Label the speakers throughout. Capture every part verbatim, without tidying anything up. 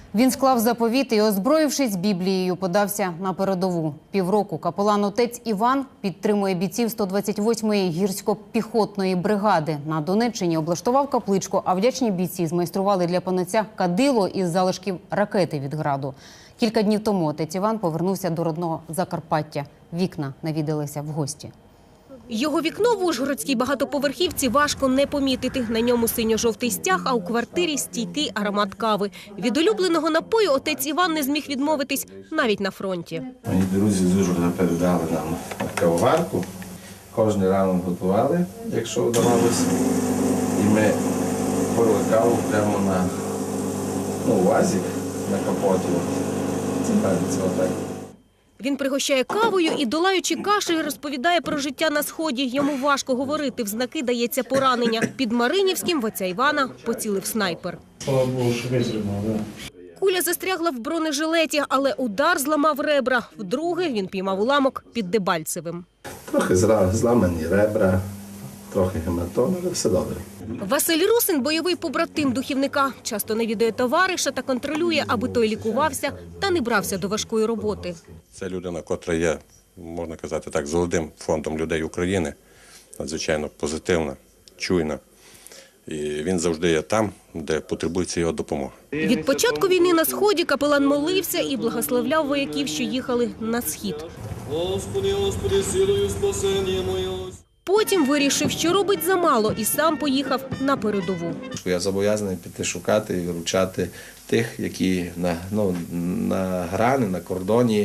Speaker 1: Він склав заповіт і, озброївшись Біблією, подався на передову. Півроку капелан отець Іван підтримує бійців сто двадцять восьмої гірсько-піхотної бригади. На Донеччині облаштував капличку, а вдячні бійці змайстрували для панотця кадило із залишків ракети від граду. Кілька днів тому отець Іван повернувся до родного Закарпаття. Вікна навідалися в гості.
Speaker 2: Його вікно в ужгородській багатоповерхівці важко не помітити. На ньому синьо-жовтий стяг, а у квартирі стійкий аромат кави. Від улюбленого напою отець Іван не зміг відмовитись навіть на фронті.
Speaker 3: Мої друзі з Ужгорода передали нам кавоварку. Кожен ранок готували, якщо вдавалося. І ми пили каву прямо на ну, вазик, на капоті. Це це отак.
Speaker 2: Він пригощає кавою і, долаючи кашель, розповідає про життя на Сході. Йому важко говорити, в знаки дається поранення. Під Маринівським в отця Івана поцілив снайпер.
Speaker 4: Слава Богу, що витримав, да.
Speaker 2: Куля застрягла в бронежилеті, але удар зламав ребра. Вдруге він піймав уламок під Дебальцевим.
Speaker 3: Трохи зламані ребра, трохи гематоми, але все добре.
Speaker 2: Василь Русин – бойовий побратим духівника. Часто навідує товариша та контролює, аби той лікувався та не брався до важкої роботи.
Speaker 5: Це людина, котра є, можна казати так, золотим фондом людей України. Надзвичайно позитивна, чуйна. І він завжди є там, де потребується його допомога.
Speaker 2: Від початку війни на Сході капелан молився і благословляв вояків, що їхали на Схід.
Speaker 6: Господи, Господи, силою спасення моє.
Speaker 2: Потім вирішив, що робить замало, і сам поїхав на передову.
Speaker 3: Я зобов'язаний піти шукати і виручати тих, які на, ну, на грані, на кордоні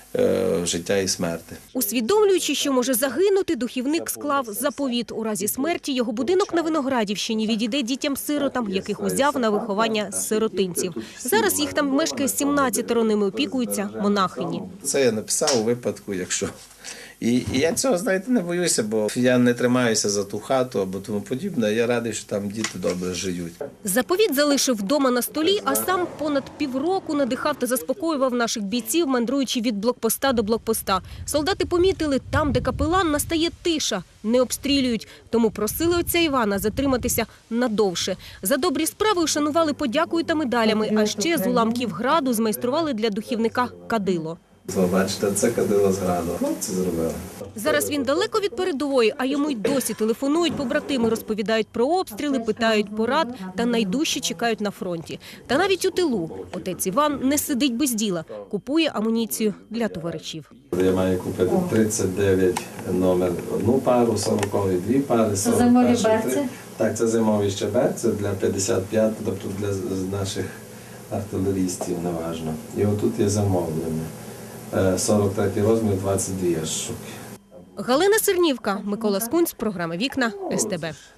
Speaker 3: е, життя і смерти.
Speaker 2: Усвідомлюючи, що може загинути, духівник склав заповіт. У разі смерті його будинок на Виноградівщині відійде дітям-сиротам, яких узяв на виховання з сиротинців. Зараз їх там мешкає сімнадцятеро, ними опікуються монахині.
Speaker 3: Це я написав у випадку, якщо... І, і я цього, знаєте, не боюся, бо я не тримаюся за ту хату або тому подібне. Я радий, що там діти добре живуть.
Speaker 2: Заповіт залишив вдома на столі, а сам понад півроку надихав та заспокоював наших бійців, мандруючи від блокпоста до блокпоста. Солдати помітили, там, де капелан, настає тиша, не обстрілюють. Тому просили отця Івана затриматися надовше. За добрі справи ушанували подякою та медалями, а ще з уламків граду змайстрували для духівника кадило.
Speaker 3: Бачите, це кадило з граду. Хлопці зробили.
Speaker 2: Зараз він далеко від передової, а йому й досі телефонують побратими, розповідають про обстріли, питають порад та найдужче чекають на фронті. Та навіть у тилу отець Іван не сидить без діла, купує амуніцію для товаришів.
Speaker 3: Я маю купити тридцять дев'ять номер одну пару, сорокові дві пари.
Speaker 7: Це зимові берці?
Speaker 3: Так, це зимові ще берці для п'ятдесят п'ять, тобто для наших артилерістів, неважно. І отут є замовлення. сорок третій розмір, двадцять дві штуки.
Speaker 2: Галина Сернівка, Микола Скунць, програма «Вікна», ес те бе.